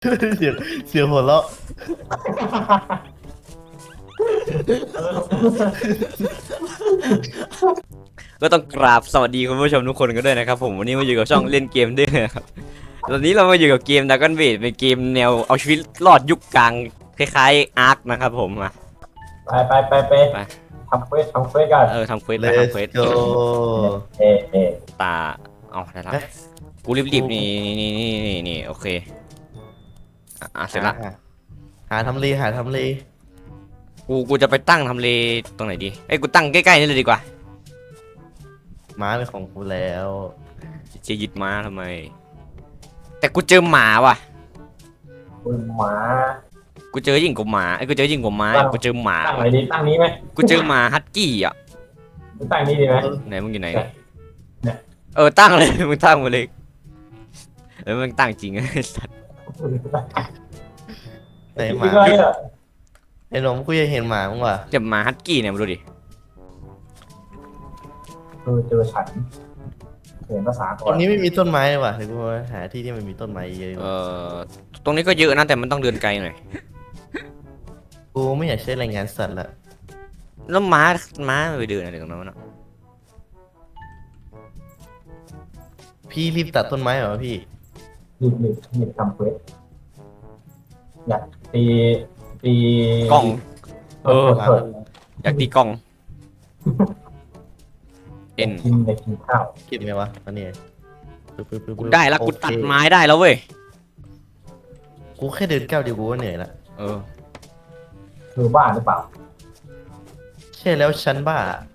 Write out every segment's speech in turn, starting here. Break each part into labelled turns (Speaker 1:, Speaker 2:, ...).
Speaker 1: เสียงเสียงหัวเราะ
Speaker 2: ก็ต้องกราบสวัสดีคุณผู้ชมทุกคนกันด้วยนะครับผมวันนี้มาอยู่กับช่องเล่นเกมด้วยนะครับตอนนี้เรามาอยู่กับเกม Dragon Bait เป็นเกมแนวเอาชีวิตรอดยุคกลางคล้ายๆอาร์คนะครับผมมา
Speaker 3: ไปทำเควสกัน
Speaker 2: ทำเควส
Speaker 1: เล
Speaker 2: ไป
Speaker 1: ส
Speaker 2: ทำเควส
Speaker 1: โก
Speaker 3: เอะ
Speaker 2: ตาเอาได้แล้วกูรีบๆนี่โอเคเสร็จละ
Speaker 1: หาทำเลหาทำเล
Speaker 2: กูจะไปตั้งทำเลตรงไหนดีไอ้ยกูตั้งใกล้ๆนี่เลยดีกว่า
Speaker 1: ม้าเป็นของกูแล้ว
Speaker 2: จะยึดม้าทำไมแต่กูเจอหมาว่ะ
Speaker 3: คุณหมา
Speaker 2: กูเจอยิ่งกว่าหมาไอ้ยกูเจอยิ่งกว่าม้ากูเจอหมา
Speaker 3: ตั้งไหนดีตั้งนี้ไหม
Speaker 2: กูเจอหมาฮัสกี้อ่ะ
Speaker 3: ตั้งนี้ดีไหม
Speaker 2: ไหนมึงอยู่ไหน
Speaker 3: เนี่ย
Speaker 2: ตั้งเลย มึงตั้งมาเลยมึงตั้งจริงไอ้สัตว์
Speaker 1: ไหนห
Speaker 3: คิ
Speaker 1: มา
Speaker 3: ดว่าเนี่ย
Speaker 1: ไอ้หนมกูยังเห็นหมามึงว่ะ
Speaker 2: เจ็บหมาฮัสกี้เนี่ยมาดูดิ
Speaker 3: เจอฉันเขียนภาษาก่
Speaker 1: ต
Speaker 3: อ
Speaker 1: ร
Speaker 3: น
Speaker 1: งนี้ไม่มีต้นไม้เลยว่ะเดี๋ยวกูหาที่ที่มันมีต้นไม้เยอะๆ
Speaker 2: ตรงนี้ก็เยอะนะแต่มันต้องเดินไกลหน่อย
Speaker 1: กูไม่อยากใช้แรงงานสัตว์ละ
Speaker 2: แล้วม้าไปเดินอะไรตรงนั้นวะ
Speaker 1: พี่รีบตัดต้นไม้เหรอพี่
Speaker 3: หยิบทำเควสอยากตี
Speaker 2: กล้อง
Speaker 3: เปิด
Speaker 2: อยากตีกล้องเอ็น
Speaker 3: กินข้าว
Speaker 1: คิดไงวะอันนี้ปึ๊บ
Speaker 2: กูได้แล้วกูตัด
Speaker 1: โอเค
Speaker 2: ไม้ได้แล้วเว้ย
Speaker 1: กูแค่เดินก้าวเดียวกูก็เหนื่อยละ
Speaker 3: คือบ้าหรือเปล่า
Speaker 1: ใช่แล้วฉันบ้า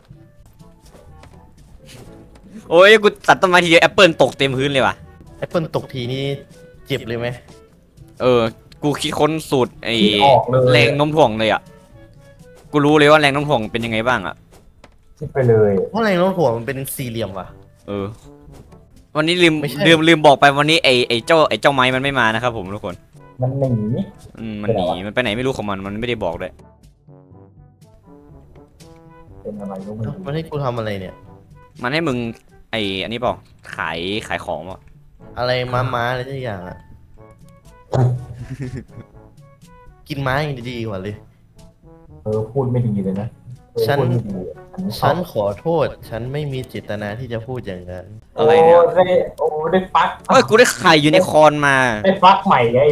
Speaker 2: โอ้ยกูตัดต้นไม้ทีเดียวแอปเปิลตกเต็มพื้นเลยว่ะ
Speaker 1: แอปเปิลตกทีนี่เจ็บเลยไหม
Speaker 2: กูคิดค้นสูตรไอ้
Speaker 3: คิดออกเลย
Speaker 2: แรงโน้มถ่วงเลยอ่ะกูรู้เลยว่าแรงโน้มถ่วงเป็นยังไงบ้างอ่ะ
Speaker 3: คิดไปเลย
Speaker 1: เพราะแรงโน้มถ่วงมันเป็นสี่เหลี่ยมว่ะ
Speaker 2: วันนี้ลืม
Speaker 1: ไม่ใช่
Speaker 2: ลืมบอกไปวันนี้ไอ้เจ้าไม้มันไม่มานะครับผมทุกคน
Speaker 3: มันหนี
Speaker 2: มันหนีมันไปไหนไม่รู้ของมันไม่ได้บอกเลย
Speaker 3: เป็นอะไรก็ไม่รู้
Speaker 1: มันให้กูทำอะไรเนี่ย
Speaker 2: มันให้มึงอันนี้เปล่าขายของเปล่า
Speaker 1: อะไรม้าอะไรทุกอย่างอะ กินม้าอย่างดีกว่าเลย
Speaker 3: พูดไม่ดีเลยนะ
Speaker 1: ฉัน
Speaker 3: พูดไม่ดี
Speaker 1: ฉันขอโทษ ฉันไม่มีเจตนาที่จะพูดอย่างนั้น
Speaker 2: อะไรเนี่ย
Speaker 3: ได้ฟัก
Speaker 2: เอ้ยกูได้ไข่ยูนิคอร์นมา
Speaker 3: ได้ฟักใหม่ไง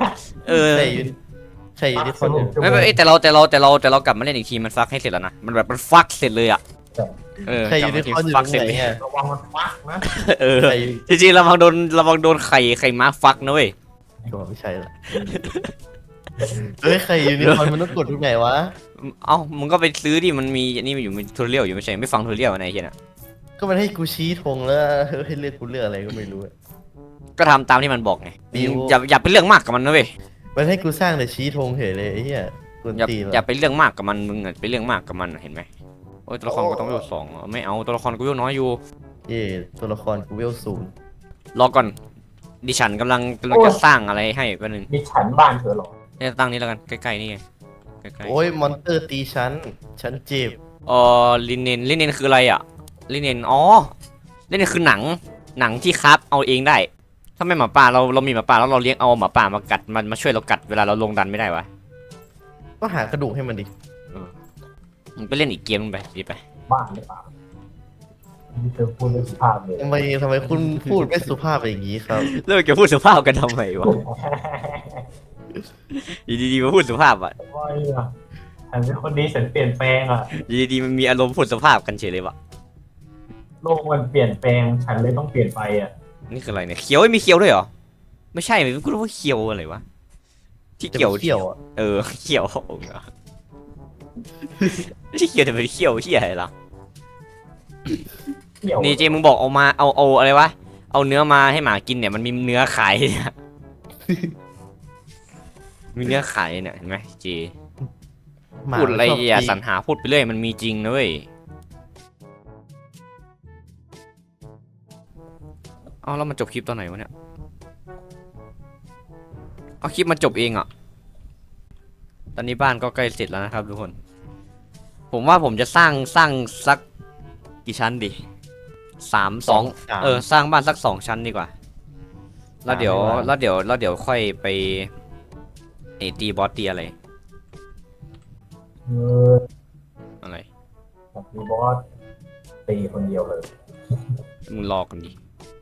Speaker 1: ใช่อยู่ที่คนอื่น
Speaker 2: ไม่แต่เรากลับมาเล่นอีกทีมันฟักให้เสร็จแล้วนะมันแบบมันฟักเสร็จเลยอ่ะ
Speaker 1: ใช่อยู่ที่คนอื่น
Speaker 2: ฟักเสร็จ
Speaker 1: ไหน
Speaker 2: เลย
Speaker 1: อะ
Speaker 3: ระวังมันฟักนะ
Speaker 1: ใช่อยู่
Speaker 2: จริงๆระวังโดนไข่ม้าฟักนะเว้ย
Speaker 1: ก็ไม่ใช่ละเฮ้ยใครอยู่ในคอนมันต้องกดทุกไหนวะ
Speaker 2: เอ้ามึงก็ไปซื้อดิมันมีอันนี้มันอยู่มีทูเรียลอยู่ไม่ใช่ไม่ฟังทูเรียลอะไรเหี้ยน่ะ
Speaker 1: ก็มันให้กูชี้ธงแล้วให้เลือกกูเลือกอะไรก็ไม่รู้อะ
Speaker 2: ก็ทำตามที่มันบอกไง
Speaker 1: ดิว
Speaker 2: อย่าไปเรื่องมากกับมันนะเว้ย
Speaker 1: มันให้กูสร้างแต่ชี้ธงเฉยเลยไอ้เหี้ยกวน
Speaker 2: อย่า
Speaker 1: ตีน
Speaker 2: อย่า
Speaker 1: ว่ะ
Speaker 2: ไปเรื่องมากกับมันมึงไปเรื่องมากกับมันเห็นไหมโอ้ยตัวละครก็ต้องเวลสองไม่เอาตัวละครกูเวลน้อยอยู่
Speaker 1: เย่ตัวละครกูเวลศูนย์
Speaker 2: รอก่อนดิฉันกำลังจะสร้างอะไรให้แป๊บนึง
Speaker 3: มีฉันบ้านเธอหรอ
Speaker 2: เนี่ยตั้งนี้แล้วกันใกล้ๆนี่ไงใกล้ๆ
Speaker 1: โอ้ยมอนเตอร์ตีฉันเจ็บ
Speaker 2: ลิเนนคืออะไรอ่ะลิเนนลิเนนคือหนังที่คราฟเอาเองได้ถ้าไม่หมาป่าเรามีหมาป่าแล้วเราเลี้ยงเอาหมาป่ามากัดมันมาช่วยเรากัดเวลาเราลงดันไม่ได้วะ
Speaker 1: ก็หากระดูกให้มันดิ
Speaker 2: มึงไปเล่นอีกเกมนึงไปดีไป
Speaker 3: บ้านหรือเปล่านี่เธอพูดไม่สุภาพเลย
Speaker 1: ทำไมคุณพูดไม่สุภาพอย่างนี้ครับ
Speaker 2: เลิกจะพูดสุภาพกันทำไมวะอยู่ดีๆมาพูดสุภาพอ่ะ
Speaker 3: ว่าเนี่ยฉันเป็นคนดีฉันเปลี่ยนแปลงอ่ะ
Speaker 2: อยู่ดีๆมันมีอารมณ์พูดสุภาพกันเฉยเลยวะ
Speaker 3: โลกมันเปลี่ยนแปลงฉันเลยต้องเปลี่ยนไปอ่ะ
Speaker 2: นี่คืออะไรเนี่ยเขียวมีเขียวด้วยเหรอไม่ใช่ไม่รู้ว่าเขียวอะไรวะที่เขียว
Speaker 1: เกี่ยวอ่ะ
Speaker 2: เขียวเหรอไม่ใช่เขียวแต่เป็นเขียวเหียอะไรล่ะ
Speaker 3: เกี่ยว
Speaker 2: นี่เจมึงบอกเอามาเอาอะไรวะเอาเนื้อมาให้หมากินเนี่ยมันมีเนื้อขายเนี่ยมีเนื้อขายเนี่ยเห็นไหมเจ
Speaker 1: หมา
Speaker 2: พูดอะไร
Speaker 1: ชบ
Speaker 2: อย่า
Speaker 1: ตี
Speaker 2: สรรหาพูดไปเรื่อยมันมีจริงนะเว้ยเอาแล้วมันจบคลิปตอนไหนวะเนี่ยเอาคลิปมันจบเองอ่ะตอนนี้บ้านก็ใกล้เสร็จแล้วนะครับทุกคนผมว่าผมจะสร้างสักกี่ชั้นดี3 2
Speaker 1: 3
Speaker 2: สร้างบ้านสัก2 ชั้นดีกว่าแล้วเดี๋ยวค่อยไปตีบอสตีอะไร
Speaker 3: เออ
Speaker 2: อะไร
Speaker 3: ผมมีบอสตีคนเดียวเลย
Speaker 2: มึงรอกันดิ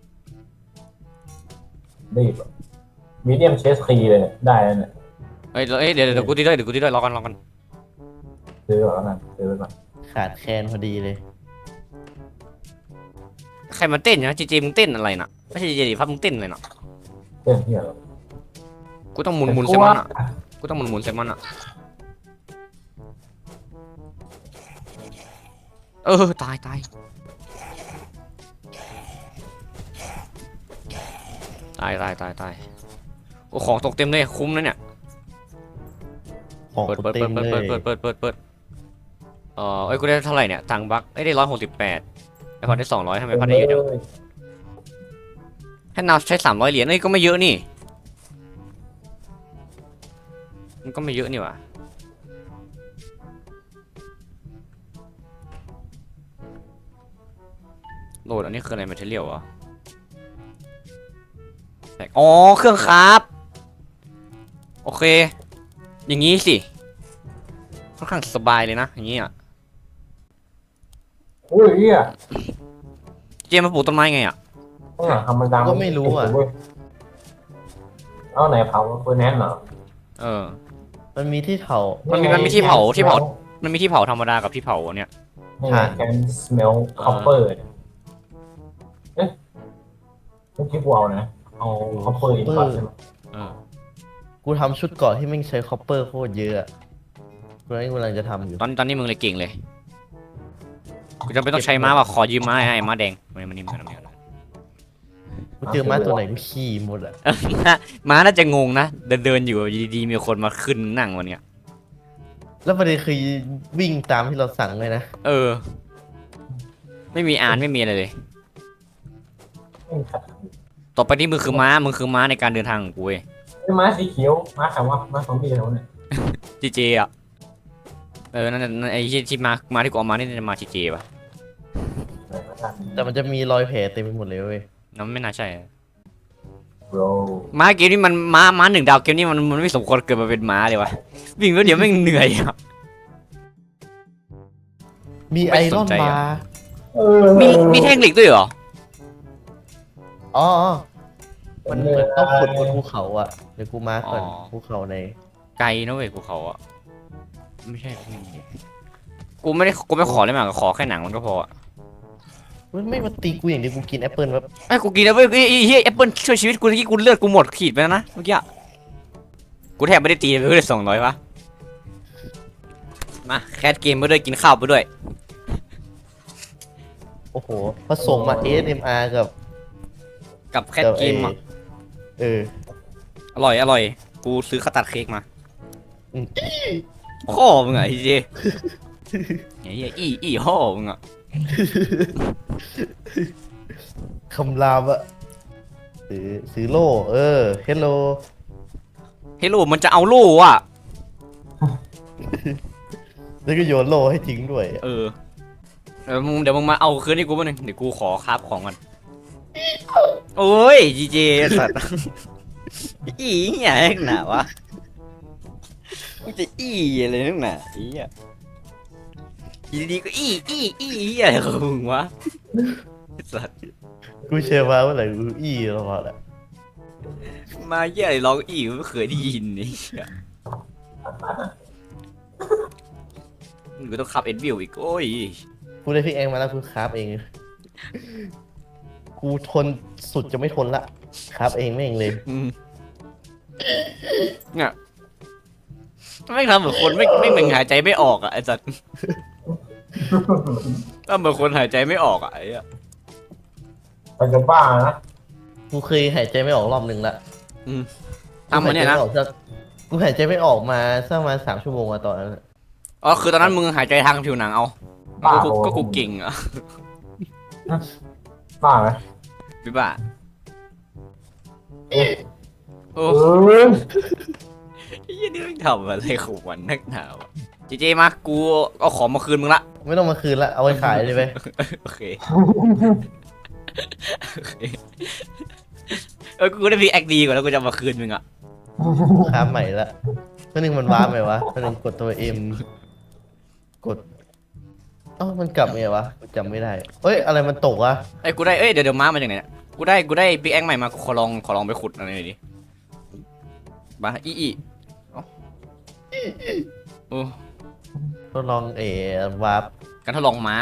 Speaker 3: รีบมีเดียมเชสคีเลยเนี่ยได้แล้วเนี่ย
Speaker 2: เดี๋ยวกูตีด้วยรอกัน
Speaker 3: ซื้อก่อนแล้วกันซื้อไปก่อน
Speaker 1: ขาดแคลนพอดีเลย
Speaker 2: ใครมาเต้นนะจีมึงเต้นอะไรน่ะไม่ใช่จีดิพับมึงเต้นอะไรน่ะ
Speaker 3: เรื่องเหี้ยเหรอ
Speaker 2: กูต้องหมุนใส่มันอ่ะกูต้องหมุนใส่มันอ่ะตายโอ้ของตกเต็มเลยคุ้มนะเนี่ย
Speaker 1: ของ
Speaker 2: เปิด
Speaker 1: กูเต็มเลย
Speaker 2: กูได้เท่าไหร่เนี่ยตังค์บัคได้168ไอพอได้200ทำไมพอได้เยอะจังให้นาวใช้300 เหรียญก็ไม่เยอะนี่มันก็ไม่เยอะนี่หว่าโหลดอันนี้คืออะไรมาเทเรียลวะอ๋อเครื่องครับโอเคอย่างงี้สิค่อนข้างสบายเลยนะอย่างงี้อ่ะ
Speaker 3: อุ้ยเหี้ย
Speaker 2: เจมมาปลูกต้นไม้ไงอ่ะ
Speaker 3: ข้างหลังทำมันดัง
Speaker 1: ก็ไม่รู้อ่ะ
Speaker 3: เอาไหนเผาเฟอร์แนนซ์เหรอ
Speaker 1: มันมีที่เผา
Speaker 2: มันมีที่เผามันมีที่เผาธรรมดากับที่เผาเนี่ย
Speaker 3: นี่ไง can smell copper เอ๊ะเมื่อกี้กูเอานะเอา copper อินพัตใช่ไหม
Speaker 1: กูทำชุดเกราะที่แม่งใช้คอปเปอร์โคตรเยอะอะกูกำลังจะทำอยู่
Speaker 2: ตอนนี้มึงเลยเก่งเลยกูจะไม่ต้องใช้ม้าว่ะขอยืมม้าให้ม้าแดงมันนี่มัน
Speaker 1: กูเจอม้าตัวไหนกูขี่หมดอ่ะ
Speaker 2: ม้าน่าจะงงนะเดินอยู่ดีๆมีคนมาขึ้นนั่งวันเนี้ย
Speaker 1: แล้วประเด็นคือวิ่งตามที่เราสั่งเลยนะ
Speaker 2: ไม่มีไม่มีอะไรเลย
Speaker 3: ไม่ขัด
Speaker 2: ต่อไปนี้มึงคือม้าในการเดินทางของกูเว้ย
Speaker 3: ไอ้ม้าสีเขียวม้าขาวว่าม้าซอมบี้แล้วเนี่ย
Speaker 2: เจอ่ะนั่นไอ้ที่ม้าที่กูเอามานี่จะมาเจป่ะ
Speaker 3: ไหนมาทัน
Speaker 1: แต่มันจะมีรอยแผลเต็มไปหมดเลยเว้ย
Speaker 2: นั่นไม่น่าใช่
Speaker 3: โร
Speaker 2: ม้าเกมนี้มันม้า1 ดาวเกมนี้มันไม่สมควรเกิดมาเป็นม้าเลยวะวิ่งแล้วเดี๋ยวไม่งเหนื่อยอ่ะ
Speaker 1: มีไอรอนบาร์
Speaker 2: มีแท่งเหล็กด้วยเหรอ
Speaker 1: อ๋อมันเหมือนต้องขุดบนภูเขาอ่ะเดี๋ยวกูมาก่อน
Speaker 2: อ๋อ
Speaker 1: ภูเขาใน
Speaker 2: ไกลนะเว้ยภูเขาอ่ะไม่ใช่กูไม่ขอเลยมากขอแค่หนังมันก็พอ
Speaker 1: มันไม่มาตีกูอย่างเดียวกูกินแอปเปิลแบบ
Speaker 2: ไอ้กูกินแล้วเว้ยเฮ้ยแอปเปิลช่วยชีวิตกูเมื่อกี้กูเลือดกูหมดขีดไปแล้วนะเมื่อกี้กูแทบไม่ได้ตีเลยเพื่อ200วะมาแคสเกมไปด้วยกินข้าวไปด้วย
Speaker 1: โอ้โหผสมมา ASMR กับ
Speaker 2: แคสเกมอ่ะ
Speaker 1: อร่อย
Speaker 2: อร่อยกูซื้อข้าวตัดเค้กมา
Speaker 1: อืม
Speaker 2: พ่อมึงอ่ะไอ้เจเฮ้ยอีพ่อมึงอ่ะ
Speaker 1: คำรามอะซื้อโล่เฮลโล
Speaker 2: เฮโลมันจะเอาโล่อ่ะ
Speaker 1: แล้วก็โยนโล่ให้ทิ้งด้วย
Speaker 2: เดี๋ยวมึงมาเอาคืนให้กูบ้างหนึ่งเดี๋ยวกูขอคราฟของก่อนโอ้ยเจสัตว์อีเหี้ยนักหนาวะมึงจะอีอะไรนักหนาอีอ่ะอยู่ดีๆก็อีอะไรของมึงวะสัตว์
Speaker 1: กูเชื่อว่าเมื่อไหร่กูอี้ตลอดอะ
Speaker 2: มาเหี้ยอะไรร้องอีไม่เคยได้ยินนี่เหี้ยมึงก็ต้องขับเอ็ดวิวอีกโอ้ย
Speaker 1: กูได้พิกแองมาแล้วกูคราฟเอง กูทนสุดจะไม่ทนละคราฟเองไม่เองเลย
Speaker 2: เนี่ยไม่งทำเหมือนคนไม่เหมือนหายใจไม่ออกอ่ะไอ้สัตว์ถ้าเหมือนคนหายใจไม่ออกอ่ะไอ้อะ
Speaker 3: มันจะบ้านะ
Speaker 1: กูเคยหายใจไม่ออกรอบนึงละ
Speaker 2: ทำมันเนี่ยนะ
Speaker 1: กูหายใจไม่ออกมาสักประมาณ3 ชั่วโมงอะตอนนั้นอะ
Speaker 2: อ๋อคือตอนนั้นมึงหายใจทางผิวหนังเอา
Speaker 3: บ้า
Speaker 2: ก็กูเก่งอ่ะ
Speaker 3: บ้าไหม
Speaker 2: พี่บ้าโอ้
Speaker 3: เออ
Speaker 2: ยนี่ไม่งทำอะไรของมันนักหนาวะเจมากูเอาของมาคืนมึงละ
Speaker 1: ไม่ต้องมาคืนละเอาไปขายเลยไป
Speaker 2: โอเคกูได้พีแอคดีกว่าแล้วกูจะเอามาคืนมึงอ่ะ
Speaker 1: ค้าใหม่ละเมื่อนึงมันว้าร์ปไหมวะเมื่อนึงกดตัวเอ็มกดเอ้ามันกลับไงวะกูจำไม่ได้เอ้ยอะไรมันตกวะ
Speaker 2: ไอ้ยกูได้เดี๋ยวม้ามาจากไหนเนี่ยกูได้พีแอคใหม่มากูขอลองไปขุดอะไรหน่อยดิมาอีเอ้าโอ้
Speaker 1: ทดลองวาร์ป
Speaker 2: การทดลองม้า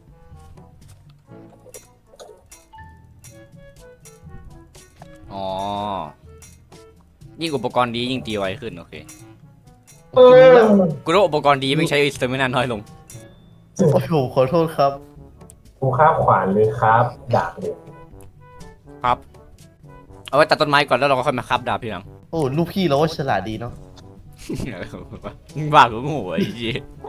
Speaker 2: อ๋อยิ่งอุปกรณ์ดียิ่งตีไวขึ้นโอเค
Speaker 3: เออ
Speaker 2: กูรู้อุปกรณ์ดีไม่ใช้สเตมินาน้อยลง
Speaker 1: โอ้โหขอโทษครับ
Speaker 3: กูข้ามขวานเลยครับดาบเลย
Speaker 2: ครับเอาไว้ตัดต้นไม้ก่อนแล้วเราก็ค่อยมาคับดาบทีหลัง
Speaker 1: โอ้ลูกพี่เราก็ฉลาดดีเนาะ
Speaker 2: บ้ากูโง่ไอ้จี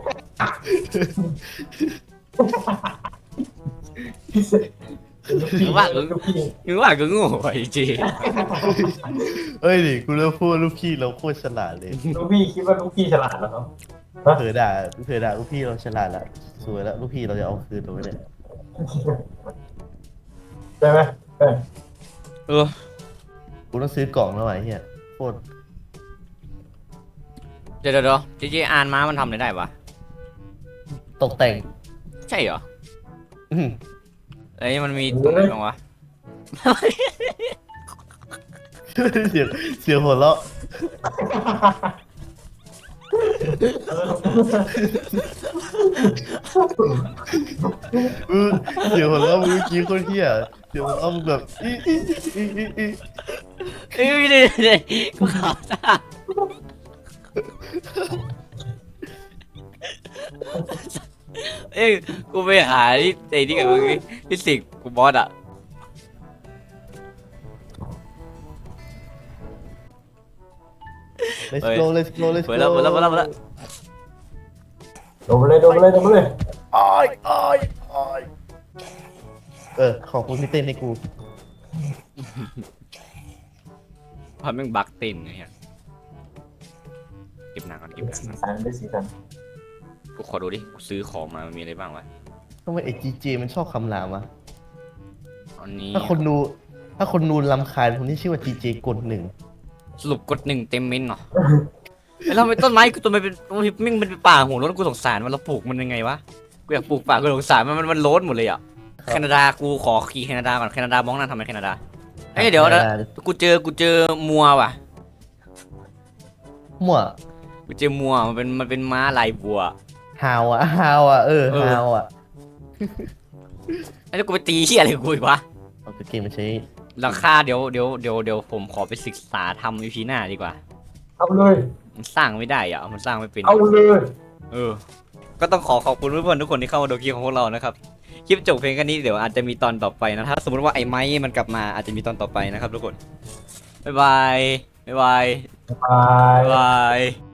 Speaker 2: มึงว่ากูโง่ไอ้จี
Speaker 1: เอ้ยดิกูเริ่มพูดลูกพี่เราโคตรฉลาดเลย
Speaker 3: ลูกพี่คิดว่าลูกพี่ฉลาดแล้วเนาะ
Speaker 1: เผลอด่าลูกพี่เราฉลาดละสวยแล้วลูกพี่เราจะเอาคืนเราไม่ได้
Speaker 3: ใช่ไหมเออ
Speaker 2: เออ
Speaker 1: กูต้องซื้อกล่องแล้วไอ้เหี้ยโคตร
Speaker 2: เดี๋ยวจีอ่านม้ามันทำอะไรได้วะ
Speaker 1: ตกแต่ง
Speaker 2: ใช่เหรอ
Speaker 1: อื้อ
Speaker 2: ไอ้ยมันมีตรงไหนบ้างวะ
Speaker 1: เสียงเสียงหัวเราะเสียงหัวเราะเมื่อกี้โคตรเหี้ยเสียงหัวเราะมึงแบบอี
Speaker 2: เอ้ยเดี๋ยวกูขอจ้าเอ้ยกูไปหาที่ไอ้นี่กับมึงที่สิกกูบอสอ่ะ
Speaker 1: let's go let's go let's
Speaker 2: เปิ
Speaker 1: go
Speaker 2: ดแล้ว
Speaker 3: โดนไปเลย
Speaker 1: อ้อยขอบคุณที่เต้นให้กู
Speaker 2: เพราะแม่งบักเต้นไงเหี้ยเก็บหนังก่อนเก็บหนัง
Speaker 3: สี
Speaker 2: ก่อน
Speaker 3: สันได้สีสัน
Speaker 2: กูขอดูดิกูซื้อของมามันมีอะไรบ้างวะ
Speaker 1: ทำไมไอ้จีเจมันชอบคำรามวะ
Speaker 2: อันนี้
Speaker 1: ถ้าคนดูรำคาญคนที่ชื่อว่าจีเจกดหนึ่ง
Speaker 2: สรุปกดหนึ่งเต็มเม้นเนาะไอ้เราเป็นต้นไม้กูตัวมันเป็นมิ่งมันเป็นป่าหัวโล้นกูสงสารมันเราปลูกมันยังไงวะกูอยากปลูกป่ากูสงสารมันโล้นหมดเลยอ่ะแคนาดากูขอขี่แคนาดาก่อนแคนาดามองหน้าทำไมแคนาดาเอ้ยเดี๋ยวนะกูเจอมัวว่ะ
Speaker 1: มั่ว
Speaker 2: กูเจอมัวมันเป็นม้าลายบัว
Speaker 1: ฮาวอ่ะฮาวอ่ะ
Speaker 2: ไอ้แล้วกูไปตีเหี้ยอะไรกับกูอีกวะ
Speaker 1: เอาเกมมาใช้
Speaker 2: ราคาเดี๋ยวผมขอไปศึกษาทำอีพีหน้าดีกว่า
Speaker 3: เอาเลย
Speaker 2: มันสร้างไม่ได้อ่ะมันสร้างไม่เป็น
Speaker 3: เอาเลย
Speaker 2: ก็ต้องขอบคุณเพื่อนๆทุกคนที่เข้ามาดูคลิปของพวกเรานะครับคลิปจบเพลงแค่นี้เดี๋ยวอาจจะมีตอนต่อไปนะถ้าสมมติว่าไอ้ไม้มันกลับมาอาจจะมีตอนต่อไปนะครับทุกคนบ๊ายบาย
Speaker 3: บาย
Speaker 2: บ๊ายบาย